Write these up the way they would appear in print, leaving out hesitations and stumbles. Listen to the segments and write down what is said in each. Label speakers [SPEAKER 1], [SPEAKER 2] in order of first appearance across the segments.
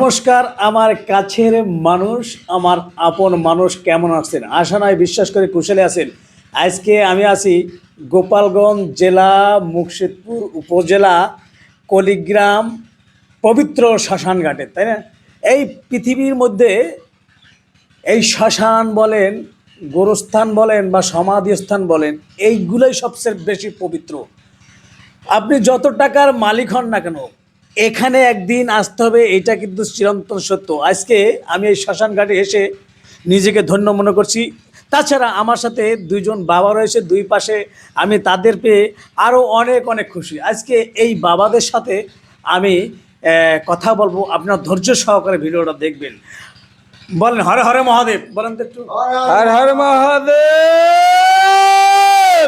[SPEAKER 1] নমস্কার আমার কাছের মানুষ, আমার আপন মানুষ কেমন আছেন? আশা নয় বিশ্বাস করে কুশলে আছেন। আজকে আমি আছি গোপালগঞ্জ জেলা মুর্শিদপুর উপজেলা কলিগ্রাম পবিত্র শ্মশানঘাটে, তাই না? এই পৃথিবীর মধ্যে এই শ্মশান বলেন, গোরস্থান বলেন বা সমাধিস্থান বলেন, এইগুলোই সবচেয়ে বেশি পবিত্র। আপনি যত টাকার মালিক হন না কেন, এখানে একদিন আসতে হবে, এটা কিন্তু চিরন্তন সত্য। আজকে আমি এই শ্মশান ঘাটে এসে নিজেকে ধন্য মনে করছি। তাছাড়া আমার সাথে দুইজন বাবা রয়েছে দুই পাশে, আমি তাদের পেয়ে আরও অনেক অনেক খুশি। আজকে এই বাবাদের সাথে আমি কথা বলবো, আপনার ধৈর্য সহকারে ভিডিওটা দেখবেন। বলেন হরে হরে মহাদেব, বলেন তো একটু
[SPEAKER 2] হর হর মহাদেব।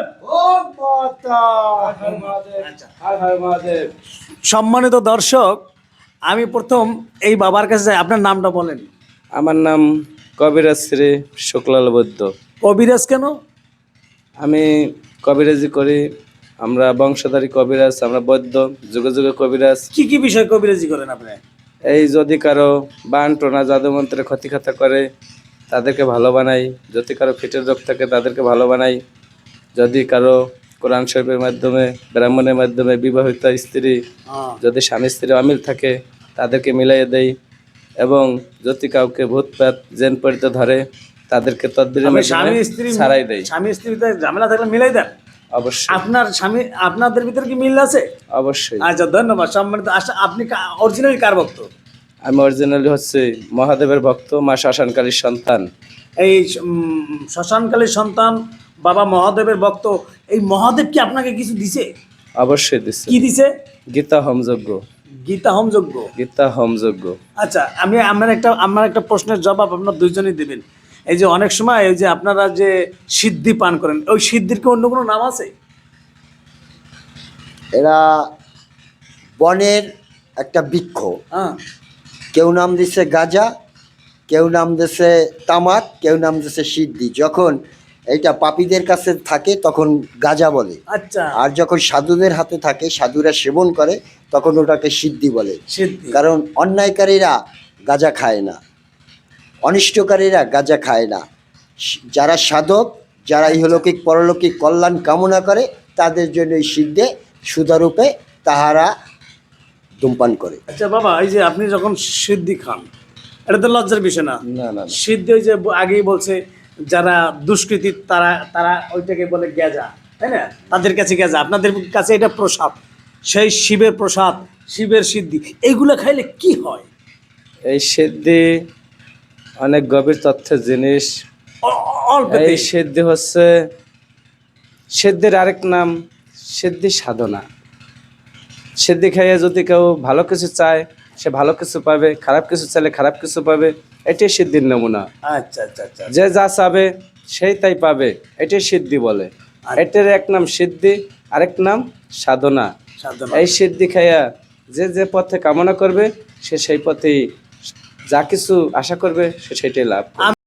[SPEAKER 1] সম্মানিত দর্শক, আমি প্রথম এই বাবার কাছে যাই। আপনার নামটা বলেন।
[SPEAKER 2] আমার নাম কবিরাজ শ্রী শুক্লাল বৈদ্য।
[SPEAKER 1] কবিরাজ কেন?
[SPEAKER 2] আমি কবিরাজি করি। আমরা বংশধারী কবিরাজ, আমরা বৈদ্য, যুগে যুগে কবিরাজ।
[SPEAKER 1] কি কি বিষয় কবিরাজি করেন আপনি?
[SPEAKER 2] এই যদি কারো বান টোনা জাদুমন্ত্রে ক্ষতিখাতা করে তাদেরকে ভালো বানাই, যদি কারো ফিটের রোগ থাকে তাদেরকে ভালো বানাই, যদি কারো কোরআন শরীফের মাধ্যমে ব্রাহ্মণের মাধ্যমে বিবাহিত স্ত্রী যদি স্বামী স্ত্রী অমিল থাকে তাদেরকে মিলাইয়ে দেই, এবং যদি কাউকে ভূতপ্রেত জেন পড়িতে ধরে তাদেরকে তদবিরের মাধ্যমে ছাড়াই দেই।
[SPEAKER 1] স্বামী স্ত্রীতে ঝামেলা থাকলে মিলাই দেন?
[SPEAKER 2] অবশ্যই।
[SPEAKER 1] আপনার স্বামী আপনাদের ভিতরে কি মিল আছে?
[SPEAKER 2] অবশ্যই।
[SPEAKER 1] আচ্ছা, ধন্যবাদ। সম্মানিত, আপনি অরিজিনালি কার ভক্ত?
[SPEAKER 2] আমি অরিজিনালি হচ্ছে মহাদেবের ভক্ত, মা শ্মশানকালীর সন্তান।
[SPEAKER 1] এই শ্মশানকালীর সন্তান, বাবা মহাদেবের ভক্ত। এই মহাদেব কি আপনাকে কিছু দিছে?
[SPEAKER 2] অবশ্যই দিছে।
[SPEAKER 1] কি দিছে?
[SPEAKER 2] গীতা হোমযজ্ঞ।
[SPEAKER 1] গীতা হোমযজ্ঞ?
[SPEAKER 2] গীতা হোমযজ্ঞ।
[SPEAKER 1] আচ্ছা, আমার একটা প্রশ্নের জবাব আপনার দুইজনই দেবেন। এই যে অনেক সময় এই যে আপনারা যে সিদ্ধি পান করেন, ওই সিদ্ধির কি অন্য কোনো নাম আছে?
[SPEAKER 3] এরা বনের একটা বৃক্ষ।
[SPEAKER 1] হ্যাঁ।
[SPEAKER 3] কেউ নাম দিছে গাজা, কেউ নাম দিছে তামাক, কেউ নাম দিছে সিদ্ধি। যখন এইটা পাপীদের কাছে থাকে তখন গাজা বলে।
[SPEAKER 1] আচ্ছা।
[SPEAKER 3] আর যখন সাধুদের হাতে থাকে, সাধুরা সেবন করে, তখন ওটাকে সিদ্ধি বলে।
[SPEAKER 1] সিদ্ধি।
[SPEAKER 3] কারণ অন্যায়কারীরা গাজা খায় না, অনিষ্টকারীরা গাজা খায় না। যারা সাধক, যারা ইহলৌকিক পরলৌকিক কল্যাণ কামনা করে, তাদের জন্য এই সিদ্ধে সুধারূপে তাহারা ধূমপান করে।
[SPEAKER 1] আচ্ছা বাবা, এই যে আপনি যখন সিদ্ধি খান, এটা তো লজ্জার বিষয় না?
[SPEAKER 2] না না।
[SPEAKER 1] সিদ্ধি ওই যে আগেই বলছে, যারা দুষ্কৃতী তারা তারা ওইটাকে বলে গেজা, তাই না? তাদের কাছে গেজা, আপনাদের কাছে এটা প্রসাদ, সেই শিবের প্রসাদ, শিবের সিদ্ধি। এইগুলো খাইলে কি হয়?
[SPEAKER 2] এই সিদ্ধি অনেক গভীর তথ্যের জিনিস। এই সিদ্ধি হচ্ছে, সিদ্ধির আরেক নাম সিদ্ধি সাধনা। সিদ্ধি খাইয়ে যদি কেউ ভালো কিছু চায় সে ভালো কিছু পাবে, খারাপ কিছু চাইলে খারাপ কিছু পাবে। এটাই সিদ্ধির নমুনা।
[SPEAKER 1] আচ্ছা আচ্ছা আচ্ছা।
[SPEAKER 2] যে যা চাবে সেই তাই পাবে, এটাই সিদ্ধি বলে। এটার এক নাম সিদ্ধি, আরেক নাম সাধনা। এই সিদ্ধি খাইয়া যে যে পথে কামনা করবে সে সেই পথেই যা কিছু আশা করবে সে সেটাই লাভ করবে।